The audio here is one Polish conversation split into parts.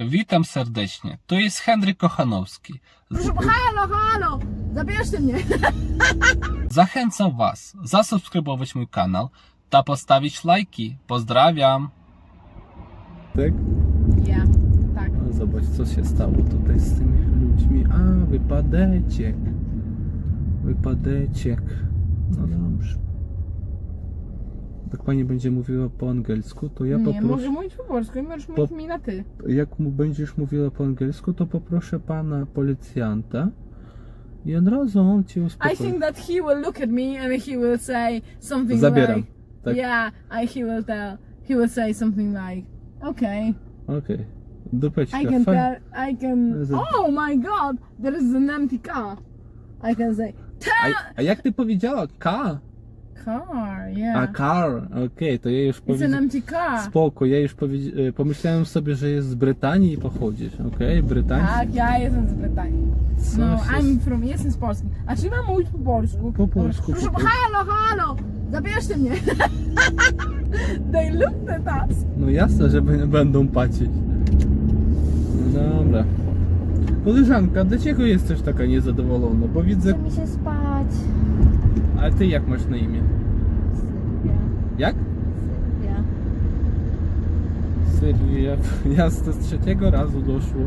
Witam serdecznie. To jest Henryk Kochanowski. Proszę, halo, zabierzcie mnie. Zachęcam Was zasubskrybować mój kanał ta postawić lajki. Pozdrawiam. Tak? Ja, tak. No zobacz, co się stało tutaj z tymi ludźmi. A, wypadeczek. Wypadeczek. No dobrze. Jak pani będzie mówiła po angielsku, to ja Nie, poproszę... mogę mówić po polsku, możesz mówić mi na ty. Jak mu będziesz mówiła po angielsku, to poproszę pana policjanta i od razu on cię uspokoi. I think that he will look at me and he will say something Zabieram. like... Tak? Yeah, he will say something like, okay, Okej. Dupeczka. I can fajnie. tell, I can... Oh my god, there is an empty car. I can say, A jak ty powiedziała? Car? car, A yeah. car. Okej, to ja już It's an powiedziałem. empty car. Spoko, ja już pomyślałem sobie, że jest z Brytanii i pochodzisz. Okej, Brytański. Tak, ja jestem z Brytanii. No, Coś I'm jest. from... Jestem z Polski. A czy mam mówić po polsku? Po polsku, Proszę, po polsku. halo, zabierzcie mnie. They looked at us. No jasne, że będą patrzeć. No dobra. Koleżanka, dlaczego jesteś taka niezadowolona? Bo widzę... Chce mi się spać. A ty jak masz na imię? Sylwia. Jak? Sylwia. Sylwia. Jasne, z trzeciego razu doszło.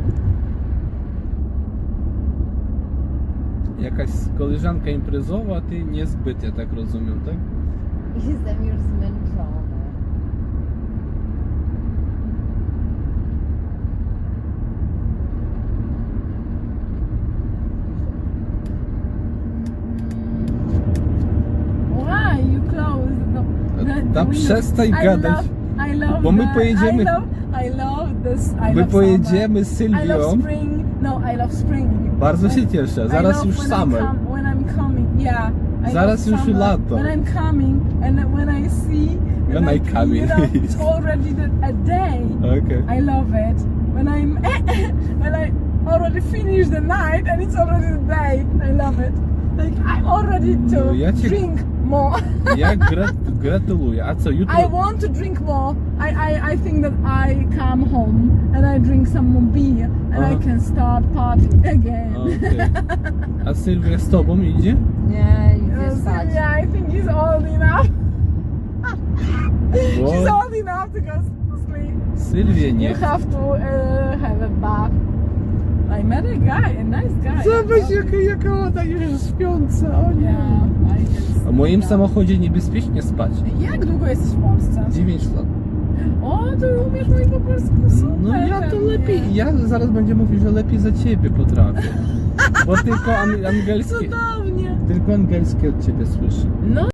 Jakaś koleżanka imprezowa, a ty niezbyt, ja tak rozumiem, tak? Jestem już zmęczona. Why you close the Da windows? przestań gadać. I love Bo my the- pojedziemy- I love this. I My love pojedziemy z summer. I love Sylwią. spring. No, I love spring. Bardzo się cieszę, I zaraz love już when summer. When I'm coming, yeah. I Zaraz love już summer. lato. When I'm coming and when I see. When I coming. You know, it's already a day. Okej. I love it. When I already finish the night and it's already the day. I love it. Like I'm already to No, ja cię- drink more. Ja gratuluję. A co, jutro? I want to drink more. I think that I come home and I drink some more beer and Aha. I can start partying again. Okej. A Sylwia z tobą idzie? Nie, idę spać. Yeah, I think he's old enough. Bo She's old enough to go to sleep. Sylwia nie You chce. have to have a bath. I met a guy, a nice guy. Zobacz jaka ona już śpiąca. O nie. Yeah, I can W moim sleep. samochodzie niebezpiecznie spać. Jak długo jesteś w Polsce? 9 lat. O, ty umiesz mówić po polsku, super. No ja to pewnie. lepiej. Ja zaraz będę mówił, że lepiej za ciebie potrafię. Bo tylko angielskie. Cudownie. Tylko angielskie od ciebie słyszę. No